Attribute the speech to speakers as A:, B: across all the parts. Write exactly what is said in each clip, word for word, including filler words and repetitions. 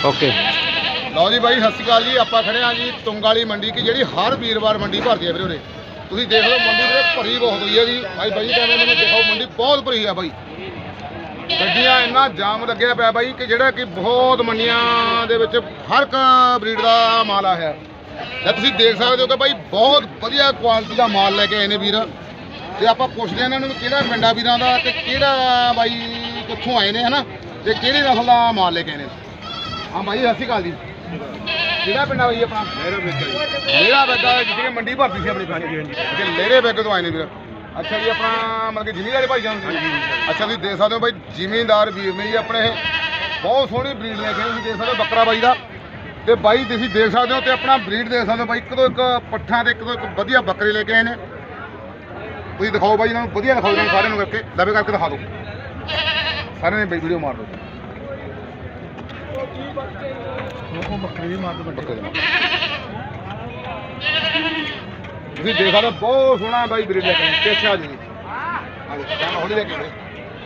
A: Okay
B: ਲਓ ਜੀ ਬਾਈ, ਸਤਿ ਸ਼੍ਰੀ ਅਕਾਲ ਜੀ। ਆਪਾਂ ਖੜੇ ਆ ਜੀ ਤੁੰਗ ਵਾਲੀ ਮੰਡੀ ਕੀ ਜਿਹੜੀ ਹਰ ਵੀਰਵਾਰ ਮੰਡੀ ਭਰਦੀ ਹੈ ਵੀਰੇ ਉਰੇ। ਤੁਸੀਂ ਦੇਖ ਲਓ ਮੰਡੀ ਵੀਰੇ ਭਰੀ ਬਹੁਤ ਹੋਈ ਹੈ ਜੀ। ਭਾਈ ਬਾਈ ਕਹਿੰਦੇ ਮੈਨੂੰ ਦੇਖੋ ਮੰਡੀ ਬਹੁਤ ਭਰੀ ਆ ਬਾਈ। ਗੱਡੀਆਂ ਇੰਨਾ ਜਾਮ ਲੱਗਿਆ ਪਿਆ ਬਾਈ ਕਿ ਜਿਹੜਾ ਕਿ ਬਹੁਤ ਮੰਡੀਆਂ ਦੇ ਵਿੱਚ ਹਰ ਇੱਕ ਬਰੀਡ ਦਾ ਮਾਲ ਆਇਆ ਹੈ। ਤੇ ਤੁਸੀਂ ਦੇਖ ਸਕਦੇ ਹੋ ਕਿ ਬਾਈ ਬਹੁਤ ਵਧੀਆ ਕੁਆਲਿਟੀ ਦਾ ਮਾਲ ਲੈ ਕੇ ਆਏ ਨੇ ਵੀਰ। ਤੇ ਆਪਾਂ ਪੁੱਛਦੇ ਹਾਂ ਇਹਨਾਂ ਨੂੰ ਕਿਹੜਾ ਪਿੰਡਾ ਵੀਰਾਂ ਦਾ ਤੇ ਕਿਹੜਾ ਬਾਈ ਕਿੱਥੋਂ ਆਏ ਨੇ ਹਨਾ, ਤੇ ਕਿਹੜੀ ਨਸਲ ਦਾ ਮਾਲ ਲੈ ਕੇ ਆਏ ਨੇ। ਹਾਂ ਬਾਈ ਸਤਿ ਸ਼੍ਰੀ ਅਕਾਲ ਜੀ। ਕਿਹੜਾ ਪਿੰਡ ਆ ਬਾਈ ਆਪਣਾ? ਲੇਰਾ ਬੇਗਾ। ਲੇਰਾ ਬੇਗਾ ਜਿੱਥੇ ਮੰਡੀ ਭਰਤੀ ਸੀ ਆਪਣੀ ਹਾਂਜੀ ਹਾਂਜੀ ਤੇ ਲੇਰੇ ਬੇਗੇ ਤੋਂ ਆਏ ਨੇ ਵੀਰ। ਅੱਛਾ ਜੀ, ਆਪਣਾ ਮਤਲਬ ਕਿ ਜ਼ਿਮੀਂਦਾਰ ਭਾਈ ਜਾਨ ਜੀ। ਅੱਛਾ ਤੁਸੀਂ ਦੇਖ ਸਕਦੇ ਹੋ ਬਾਈ ਜ਼ਿਮੀਂਦਾਰ ਵੀਰ ਨੇ ਜੀ ਆਪਣੇ ਇਹ ਬਹੁਤ ਸੋਹਣੀ ਬਰੀਡ ਲੈ ਕੇ ਤੁਸੀਂ ਦੇਖ ਸਕਦੇ ਹੋ ਬੱਕਰਾ ਬਾਈ ਦਾ। ਤੇ ਬਾਈ ਤੁਸੀਂ ਦੇਖ ਸਕਦੇ ਹੋ ਤੇ ਆਪਣਾ ਬਰੀਡ ਦੇਖ ਸਕਦੇ ਹੋ ਬਾਈ, ਇੱਕ ਤੋਂ ਇੱਕ ਪੱਠਾਂ ਤੇ ਇੱਕ ਤੋਂ ਇੱਕ ਵਧੀਆ ਬੱਕਰੇ ਲੈ ਕੇ ਆਏ ਨੇ। ਤੁਸੀਂ ਦਿਖਾਓ ਬਾਈ ਇਹਨਾਂ ਨੂੰ, ਵਧੀਆ ਦਿਖਾਓ ਇਹਨਾਂ ਨੂੰ ਸਾਰਿਆਂ ਨੂੰ ਕਰਕੇ ਲਵੇ ਕਰਕੇ ਦਿਖਾ ਦਿਓ ਸਾਰਿਆਂ ਨੇ ਵੀਡੀਓ ਮਾਰ ਦਿਓ। ਉਹ ਬੱਕਰੀ ਵੀ ਮਾਰ ਦੋ ਬੱਕਰੇ ਤੁਸੀਂ ਦੇਖ ਸਕਦੇ ਬਹੁਤ ਸੋਹਣਾ ਬਾਈ ਬਰੀਡ ਲੈ ਕੇ ਆਏ। ਅੱਛਾ ਜੀ ਹਾਂ ਹੌਲੀ ਲੈ ਕੇ ਆਏ।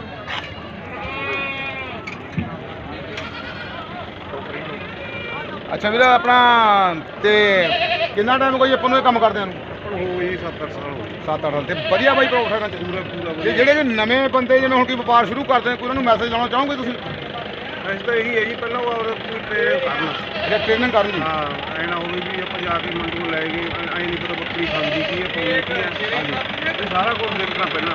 B: ਅੱਛਾ ਵੀਰ ਆਪਣਾ ਤੇ ਕਿੰਨਾ ਟਾਈਮ ਕੋਈ ਆਪਾਂ ਨੂੰ ਇਹ ਕੰਮ ਕਰਦਿਆਂ ਨੂੰ?
C: ਹੋ ਜੀ ਸੱਤ ਅੱਠ ਸਾਲ ਹੋ ਗਏ।
B: ਸੱਤ ਅੱਠ ਸਾਲ ਤੇ ਵਧੀਆ ਬਾਈ ਪ੍ਰੋਫਿਟ ਹੈ
C: ਪੂਰਾ ਪੂਰਾ
B: ਤੇ ਜਿਹੜੇ ਵੀ ਨਵੇਂ ਬੰਦੇ ਜਿਵੇਂ ਹੁਣ ਕੀ ਵਪਾਰ ਸ਼ੁਰੂ ਕਰਦੇ ਨੇ ਕੋਈ ਉਹਨਾਂ ਨੂੰ ਮੈਸੇਜ ਲਾਉਣਾ ਚਾਹੋਗੇ ਤੁਸੀਂ?
C: ਅਸੀਂ ਤਾਂ ਇਹੀ ਹੈ ਜੀ, ਪਹਿਲਾਂ ਉਹ ਆਪਦਾ ਕੋਈ ਟ੍ਰੇਨ ਕਰਨਾ
B: ਅੱਛਾ ਟ੍ਰੇਨਿੰਗ ਕਰਨ ਦੀ।
C: ਹਾਂ ਐਂ ਨਾ ਹੋਵੇ ਵੀ ਆਪਾਂ ਜਾ ਕੇ ਮੰਡੀ ਨੂੰ ਲੈ ਗਏ ਐਂ ਨਹੀਂ ਪਤਾ ਬੱਕਰੀ ਖਾਂਦੀ ਕੀ ਹੈ ਪਾਉਂਦੀ ਕੀ ਹੈ।
B: ਹਾਂਜੀ
C: ਇਹ ਸਾਰਾ ਕੁਝ ਦੇਖਣਾ ਪਹਿਲਾਂ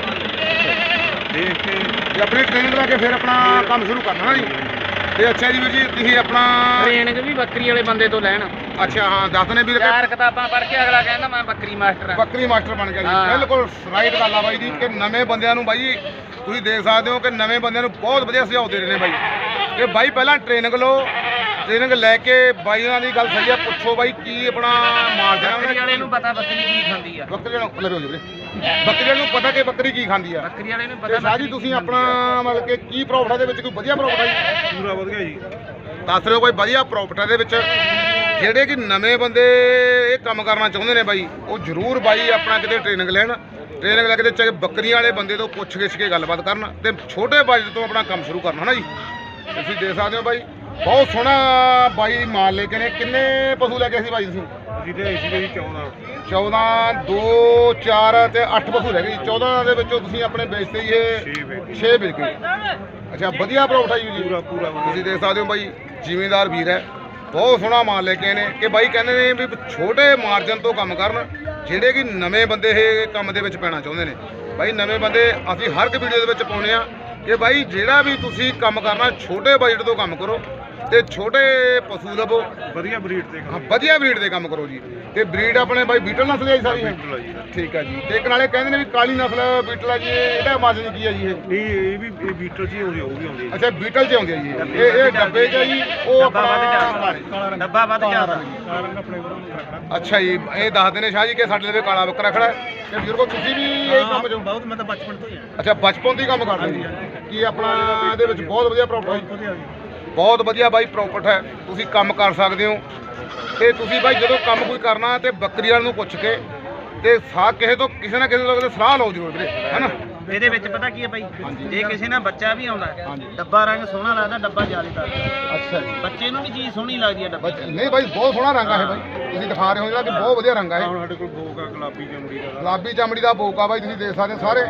C: ਦੇਖ ਕੇ
B: ਤੇ ਆਪਣੀ ਟ੍ਰੇਨਿੰਗ ਲਾ ਕੇ ਫਿਰ ਆਪਣਾ ਕੰਮ ਸ਼ੁਰੂ ਕਰਨਾ ਨਾ ਜੀ। ਤੇ ਅੱਛਾ ਜੀ ਵੀਰ ਜੀ ਤੁਸੀਂ ਆਪਣਾ
A: ट्रेनिंग भी बकरी वाले बंदे तो लैन
B: ਅੱਛਾ ਹਾਂ ਦੱਸਦੇ ਵੀਰ
A: चार किताबां पढ़ के अगला कहना मैं बकरी मास्टर हाँ।
B: ਬੱਕਰੀ ਮਾਸਟਰ ਬਣ ਗਿਆ ਜੀ।
A: ਹਾਂ।
B: ਬਿਲਕੁਲ ਰਾਈਟ ਗੱਲ ਆ ਬਾਈ ਜੀ ਕਿ ਨਵੇਂ ਬੰਦਿਆਂ ਨੂੰ ਬਾਈ ਤੁਸੀਂ ਦੇਖ ਸਕਦੇ ਹੋ ਕਿ ਨਵੇਂ ਬੰਦਿਆਂ ਨੂੰ ਬਹੁਤ ਵਧੀਆ ਸੁਝਾਅ ਦੇ ਰਹੇ ਨੇ ਬਾਈ ਕਿ ਬਾਈ ਪਹਿਲਾਂ ਟ੍ਰੇਨਿੰਗ ਲਓ, ਟ੍ਰੇਨਿੰਗ ਲੈ ਕੇ ਬਾਈ ਉਹਨਾਂ ਦੀ ਗੱਲ ਸਹੀ ਆ, ਪੁੱਛੋ ਬਾਈ ਕੀ ਆਪਣਾ ਮਾਲ ਦੇਣਾ
A: बकरी वाले नूं पता बकरी की खांदी आ।
B: ਬੱਕਰੀ ਨੂੰ ਲੈ ਵੀਰੇ ਬੱਕਰੀ ਨੂੰ ਪਤਾ ਕਿ ਬੱਕਰੀ ਕੀ ਖਾਂਦੀ ਆ।
A: बकरी वाले नूं
B: ਤੇ
A: पता
B: ਸ਼ਾਹ ਜੀ
A: बकरी
B: ਤੁਸੀਂ
A: की
B: ਆਪਣਾ ਮਤਲਬ ਕਿ ਕੀ ਪ੍ਰੋਫਿਟ ਦੇ ਵਿੱਚ ਕੋਈ ਵਧੀਆ ਪ੍ਰੋਫਿਟ ਆ ਜੀ?
C: ਪੂਰਾ ਵਧੀਆ ਜੀ।
B: ਦੱਸ ਰਹੇ ਹੋ ਕੋਈ ਵਧੀਆ ਪ੍ਰੋਫਿਟ ਦੇ ਵਿੱਚ। ਜਿਹੜੇ ਕਿ ਨਵੇਂ ਬੰਦੇ ਇਹ ਕੰਮ ਕਰਨਾ ਚਾਹੁੰਦੇ ਨੇ ਬਾਈ ਉਹ ਜ਼ਰੂਰ ਬਾਈ ਆਪਣਾ ਕਿਤੇ ਟ੍ਰੇਨਿੰਗ ਲੈਣ। ਟ੍ਰੇਨਿੰਗ ਲੈ ਕੇ ਚਾਹੇ ਬੱਕਰੀਆਂ ਵਾਲੇ ਬੰਦੇ ਤੋਂ ਪੁੱਛ ਗਿੱਛ ਕੇ ਗੱਲਬਾਤ ਕਰਨ ਤੇ ਛੋਟੇ ਬਜਟ ਤੋਂ ਆਪਣਾ ਕੰਮ ਸ਼ੁਰੂ ਕਰਨਾ ਨਾ ਜੀ। ਤੁਸੀਂ ਦੇਖ ਸਕਦੇ ਹੋ ਬਾਈ ਬਹੁਤ ਸੋਹਣਾ ਬਾਈ ਮਾਲ ਲੈ ਕੇ ਨੇ। ਕਿੰਨੇ ਪਸ਼ੂ ਲੈ ਕੇ ਸੀ ਬਾਈ ਤੁਸੀਂ?
C: ਅਸੀਂ ਤੇ ਅਸੀਂ ਜੀ ਚੌਦਾਂ
B: ਚੌਦਾਂ ਦੋ ਚਾਰ ਤੇ ਅੱਠ ਪਸ਼ੂ ਰਹਿ ਗਏ ਜੀ। ਚੌਦਾਂ ਦੇ ਵਿੱਚੋਂ ਤੁਸੀਂ ਆਪਣੇ ਵੇਚਦੇ ਜੀ ਇਹ
C: ਛੇ ਵੇਚ
B: ਛੇ ਵਿਕ ਗਏ। ਅੱਛਾ ਵਧੀਆ ਪ੍ਰੋਫਿਟ ਆ ਜੀ।
C: ਪੂਰਾ ਪੂਰਾ
B: ਤੁਸੀਂ ਦੇਖ ਸਕਦੇ ਹੋ ਬਾਈ ਜ਼ਿਮੀਂਦਾਰ ਵੀਰ ਹੈ, ਬਹੁਤ ਸੋਹਣਾ ਮਾਲ ਲੈ ਕੇ ਆਏ ਨੇ ਕਿ ਬਾਈ ਕਹਿੰਦੇ ਨੇ ਵੀ ਛੋਟੇ ਮਾਰਜਨ ਤੋਂ ਕੰਮ ਕਰਨ ਜਿਹੜੇ ਕਿ ਨਵੇਂ ਬੰਦੇ ਇਹ ਕੰਮ ਦੇ ਵਿੱਚ ਪੈਣਾ ਚਾਹੁੰਦੇ ਨੇ। ਬਾਈ ਨਵੇਂ ਬੰਦੇ ਅਸੀਂ ਹਰ ਇੱਕ ਵੀਡੀਓ ਦੇ ਵਿੱਚ ਪਾਉਂਦੇ ਆ ਕਿ ਬਾਈ ਜਿਹੜਾ ਵੀ ਤੁਸੀਂ ਕੰਮ ਕਰਨਾ ਛੋਟੇ ਬਜਟ ਤੋਂ ਕੰਮ ਕਰੋ ਤੇ ਛੋਟੇ ਪਸ਼ੂ ਲਵੋ,
C: ਵਧੀਆ ਬਰੀਡ ਤੇ
B: ਹਾਂ ਵਧੀਆ ਬਰੀਡ ਦੇ ਕੰਮ ਕਰੋ ਜੀ। ਤੇ ਬਰੀਡ ਆਪਣੇ ਬਾਈ ਬੀਟਲ ਨਸਲ ਹੈ ਜੀ ਸਾਰੀ ਹੈ?
C: ਬੀਟਲ ਆ ਜੀ।
B: ਠੀਕ ਹੈ ਜੀ। ਤੇ ਇੱਕ ਨਾਲੇ ਕਹਿੰਦੇ ਨੇ ਵੀ ਕਾਲੀ ਨਸਲ ਬੀਟਲ ਆ ਜੀ, ਇਹਦਾ ਮਾਜਨ ਕੀ ਹੈ ਜੀ ਇਹ?
C: ਨਹੀਂ ਇਹ ਵੀ ਇਹ ਬੀਟਲ ਚ ਹੀ ਆਉਂਦੀ, ਉਹ ਵੀ ਆਉਂਦੀ ਹੈ।
B: ਅੱਛਾ ਬੀਟਲ ਚ ਆਉਂਦੀ ਹੈ ਜੀ ਇਹ। ਇਹ ਡੱਬੇ ਚ ਆ ਜੀ ਉਹ
A: ਡੱਬਾ ਵੱਧ
B: ਆਪਣਾ
A: ਜਾਂਦਾ ਡੱਬਾ ਵੱਧ ਜਾਂਦਾ।
C: ਕਾਰਨ ਆਪਣੇ ਕੋਲ ਰੱਖਣਾ।
B: ਅੱਛਾ ਜੀ ਇਹ ਦੱਸਦੇ ਨੇ ਸ਼ਾਹ ਜੀ ਕਿ ਸਾਡੇ ਲਈ ਕਾਲਾ ਬੱਕਰਾ ਖੜਾ ਹੈ ਤੇ ਬਜ਼ੁਰਗੋ ਤੁਸੀਂ ਵੀ ਇਹ ਕੰਮ ਜੋ
C: ਬਹੁਤ ਮੈਂ ਤਾਂ ਬਚਪਨ ਤੋਂ ਹੀ ਆ।
B: ਅੱਛਾ ਬਚਪਨ ਤੋਂ ਹੀ ਕੰਮ ਕਰਦੇ ਜੀ ਕੀ ਆਪਣਾ ਇਹਦੇ ਵਿੱਚ ਬਹੁਤ ਵਧੀਆ ਪ੍ਰੋਫਿਟ ਹੈ?
C: ਵਧੀਆ
B: ਬਹੁਤ ਵਧੀਆ ਬਾਈ ਪ੍ਰੋਫਿਟ ਹੈ। ਤੁਸੀਂ ਕੰਮ ਕਰ ਸਕਦੇ ਹੋ ਤੇ ਤੁਸੀਂ ਬਾਈ ਜਦੋਂ ਕੰਮ ਕੋਈ ਕਰਨਾ ਤੇ ਬੱਕਰੀ ਵਾਲ ਨੂੰ ਪੁੱਛ ਕੇ ਤੇ ਸਾਹ ਕਿਸੇ ਤੋਂ ਕਿਸੇ ਨਾ ਕਿਸੇ ਤੋਂ ਸਲਾਹ ਲਓ ਜ਼ਰੂਰ ਵੀਰੇ ਹੈਨਾ।
A: ਇਹਦੇ ਵਿੱਚ ਪਤਾ ਕੀ ਹੈ ਬਾਈ, ਜੇ ਕਿਸੇ ਨਾਲ ਬੱਚਾ ਵੀ ਆਉਂਦਾ
B: ਹਾਂਜੀ।
A: ਡੱਬਾ ਰੰਗ ਸੋਹਣਾ ਲੱਗਦਾ, ਡੱਬਾ ਜਾਲੀ ਲੱਗਦਾ,
B: ਅੱਛਾ ਜੀ
A: ਬੱਚੇ ਨੂੰ ਵੀ ਚੀਜ਼ ਸੋਹਣੀ ਲੱਗਦੀ ਹੈ ਡੱਬਾ।
B: ਬੱਚ- ਨਹੀਂ ਬਾਈ ਬਹੁਤ ਸੋਹਣਾ ਰੰਗ ਆ ਇਹ ਬਾਈ ਤੁਸੀਂ ਦਿਖਾ ਰਹੇ ਹੋ ਜਿਹੜਾ ਕਿ ਬਹੁਤ ਵਧੀਆ ਰੰਗ ਆ ਇਹ।
C: ਹੁਣ ਸਾਡੇ ਕੋਲ ਬੋਕ ਆ ਗੁਲਾਬੀ ਚਮੜੀ ਦਾ।
B: ਗੁਲਾਬੀ ਚਮੜੀ ਦਾ ਬੋਕ ਆ ਬਾਈ ਤੁਸੀਂ ਦੇਖ ਸਕਦੇ ਹੋ ਸਾਰੇ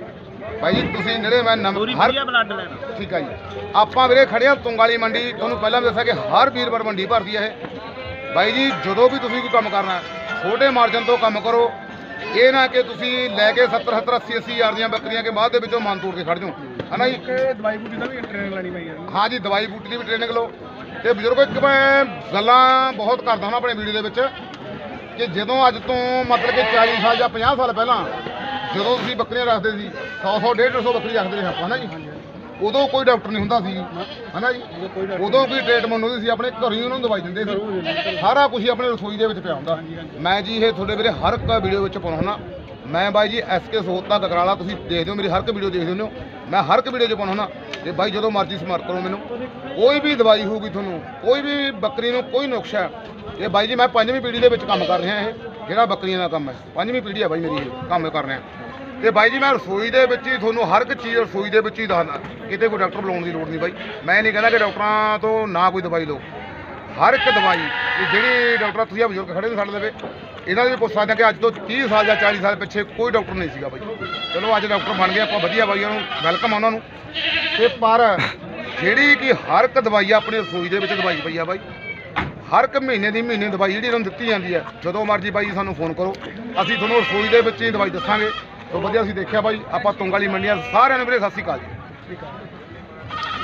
B: ਬਾਈ ਜੀ। ਤੁਸੀਂ ਜਿਹੜੇ ਮੈਂ ਨੰਬਰ
A: ਪੂਰੀ
B: ਹਰ
A: ਵਧੀਆ ਬਲੱਡ ਲੈਣਾ।
B: ਠੀਕ ਆ ਜੀ। ਆਪਾਂ ਵੀਰੇ ਖੜੇ ਆ ਤੁੰਗ ਵਾਲੀ ਮੰਡੀ। ਤੁਹਾਨੂੰ ਪਹਿਲਾਂ ਵੀ ਦੱਸਿਆ ਕਿ ਹਰ ਵੀਰਵਾਰ ਮੰਡੀ ਭਰਦੀ ਹੈ ਇਹ ਬਾਈ ਜੀ। ਜਦੋਂ ਵੀ ਤੁਸੀਂ ਕੋਈ ਕੰਮ ਕਰਨਾ ਛੋਟੇ ਮਾਰਜਨ ਤੋਂ ਕੰਮ ਕਰੋ। ਇਹ ਨਾ ਕਿ ਤੁਸੀਂ ਲੈ ਕੇ ਸੱਤਰ ਸੱਤਰ ਅੱਸੀ ਅੱਸੀ ਹਜ਼ਾਰ ਦੀਆਂ ਬੱਕਰੀਆਂ ਕੇ ਬਾਅਦ ਦੇ ਵਿੱਚੋਂ ਮਨ ਤੋੜ ਕੇ ਖੜ ਜਾਓ ਹੈ ਨਾ ਜੀ।
C: ਦਵਾਈ ਬੂਟੀ ਦਾ ਵੀ ਟ੍ਰੇਨਿੰਗ ਲੈਣੀ ਪਈ ਹੈ।
B: ਹਾਂ ਜੀ ਦਵਾਈ ਬੂਟੀ ਦੀ ਵੀ ਟ੍ਰੇਨਿੰਗ ਲਓ। ਤੇ ਬਜ਼ੁਰਗੋ ਇੱਕ ਮੈਂ ਗੱਲਾਂ ਬਹੁਤ ਕਰਦਾ ਹਾਂ ਆਪਣੇ ਵੀਡੀਓ ਦੇ ਵਿੱਚ ਕਿ ਜਦੋਂ ਅੱਜ ਤੋਂ ਮਤਲਬ ਕਿ ਚਾਲੀ ਸਾਲ ਜਾਂ ਪੰਜਾਹ ਸਾਲ ਪਹਿਲਾਂ ਜਦੋਂ ਤੁਸੀਂ ਬੱਕਰੀਆਂ ਰੱਖਦੇ ਸੀ ਸੌ ਸੌ ਡੇਢ ਸੌ ਬੱਕਰੀ ਰੱਖਦੇ ਰਹੇ ਆਪਾਂ ਹੈ ਨਾ ਜੀ। ਉਦੋਂ ਕੋਈ ਡਾਕਟਰ ਨਹੀਂ ਹੁੰਦਾ ਸੀ ਹੈ ਨਾ ਜੀ। ਉਦੋਂ ਕੋਈ ਟ੍ਰੀਟਮੈਂਟ ਹੁੰਦੀ ਸੀ ਆਪਣੇ ਘਰੋਂ ਹੀ ਉਹਨਾਂ ਨੂੰ ਦਵਾਈ ਦਿੰਦੇ ਸੀ। ਸਾਰਾ ਕੁਝ ਹੀ ਆਪਣੇ ਰਸੋਈ ਦੇ ਵਿੱਚ ਪਿਆ ਹੁੰਦਾ। ਮੈਂ ਜੀ ਇਹ ਤੁਹਾਡੇ ਵੀਰੇ ਹਰ ਇੱਕ ਵੀਡੀਓ ਵਿੱਚ ਪਾਉਣਾ ਹੁੰਦਾ। ਮੈਂ ਬਾਈ ਜੀ ਐਸ ਕੇ ਸੋਤਾ ਕਕਰਾਲਾ ਤੁਸੀਂ ਦੇਖਦੇ ਹੋ ਮੇਰੀ ਹਰ ਇੱਕ ਵੀਡੀਓ ਦੇਖਦੇ ਹੋ। ਮੈਂ ਹਰ ਇੱਕ ਵੀਡੀਓ 'ਚ ਪਾਉਣਾ ਹੁੰਦਾ ਤੇ ਬਾਈ ਜਦੋਂ ਮਰਜ਼ੀ ਸਮਾਰਟ ਕਰੋ ਮੈਨੂੰ। ਕੋਈ ਵੀ ਦਵਾਈ ਹੋਊਗੀ ਤੁਹਾਨੂੰ ਕੋਈ ਵੀ ਬੱਕਰੀ ਨੂੰ ਕੋਈ ਨੁਕਸਾ ਇਹ ਬਾਈ ਜੀ ਮੈਂ ਪੰਜਵੀਂ ਪੀੜ੍ਹੀ ਦੇ ਵਿੱਚ ਕੰਮ ਕਰ ਰਿਹਾ। ਇਹ ਜਿਹੜਾ ਬੱਕਰੀਆਂ ਦਾ ਕੰਮ ਹੈ ਪੰਜਵੀਂ ਪੀੜ੍ਹੀ ਹੈ ਬਾਈ ਮੇਰੀ ਇਹ ਕੰਮ ਕਰ ਰਿਹਾ। ਤੇ ਬਾਈ ਜੀ ਮੈਂ ਰਸੋਈ ਦੇ ਵਿੱਚ ਹੀ ਤੁਹਾਨੂੰ ਹਰ ਇੱਕ ਚੀਜ਼ ਰਸੋਈ ਦੇ ਵਿੱਚ ਹੀ ਦੱਸਦਾ, ਕਿਤੇ ਕੋਈ ਡਾਕਟਰ ਬੁਲਾਉਣ ਦੀ ਲੋੜ ਨਹੀਂ ਬਾਈ। ਮੈਂ ਨਹੀਂ ਕਹਿੰਦਾ ਕਿ ਡਾਕਟਰਾਂ ਤੋਂ ਨਾ ਕੋਈ ਦਵਾਈ ਲਓ, ਹਰ ਇੱਕ ਦਵਾਈ ਇਹ ਜਿਹੜੀ ਡਾਕਟਰ ਤੁਸੀਂ ਆ ਬਜ਼ੁਰਗ ਖੜੇ ਨੇ ਸਾਡੇ ਲਵੇ, ਇਹਨਾਂ ਦੇ ਵੀ ਪੁੱਛ ਸਕਦੇ ਕਿ ਅੱਜ ਤੋਂ ਤੀਹ ਸਾਲ ਜਾਂ ਚਾਲੀ ਸਾਲ ਪਿੱਛੇ ਕੋਈ ਡਾਕਟਰ ਨਹੀਂ ਸੀਗਾ ਬਾਈ। ਚਲੋ ਅੱਜ ਡਾਕਟਰ ਬਣ ਗਏ ਆਪਾਂ, ਵਧੀਆ ਬਾਈਆਂ ਨੂੰ ਵੈਲਕਮ ਆ ਉਹਨਾਂ ਨੂੰ। ਤੇ ਪਰ ਜਿਹੜੀ ਕਿ ਹਰ ਇੱਕ ਦਵਾਈ ਆਪਣੀ ਰਸੋਈ ਦੇ ਵਿੱਚ ਦਵਾਈ ਪਈ ਆ ਬਾਈ, ਹਰ ਇੱਕ ਮਹੀਨੇ ਦੀ ਮਹੀਨੇ ਦਵਾਈ ਜਿਹੜੀ ਇਹਨਾਂ ਨੂੰ ਦਿੱਤੀ ਜਾਂਦੀ ਹੈ। ਜਦੋਂ ਮਰਜ਼ੀ ਬਾਈ ਸਾਨੂੰ ਫੋਨ ਕਰੋ, ਅਸੀਂ ਤੁਹਾਨੂੰ ਰਸੋਈ ਦੇ ਵਿੱਚ ਹੀ ਦਵਾਈ ਦੱਸਾਂਗੇ। ਤੋਂ ਵਧੀਆ ਅਸੀਂ ਦੇਖਿਆ ਬਾਈ ਆਪਾਂ ਤੁੰਗ ਵਾਲੀ ਮੰਡੀਆਂ ਸਾਰਿਆਂ ਨੂੰ ਵੀਰੇ ਸਤਿ ਸ਼੍ਰੀ ਅਕਾਲ ਜੀ।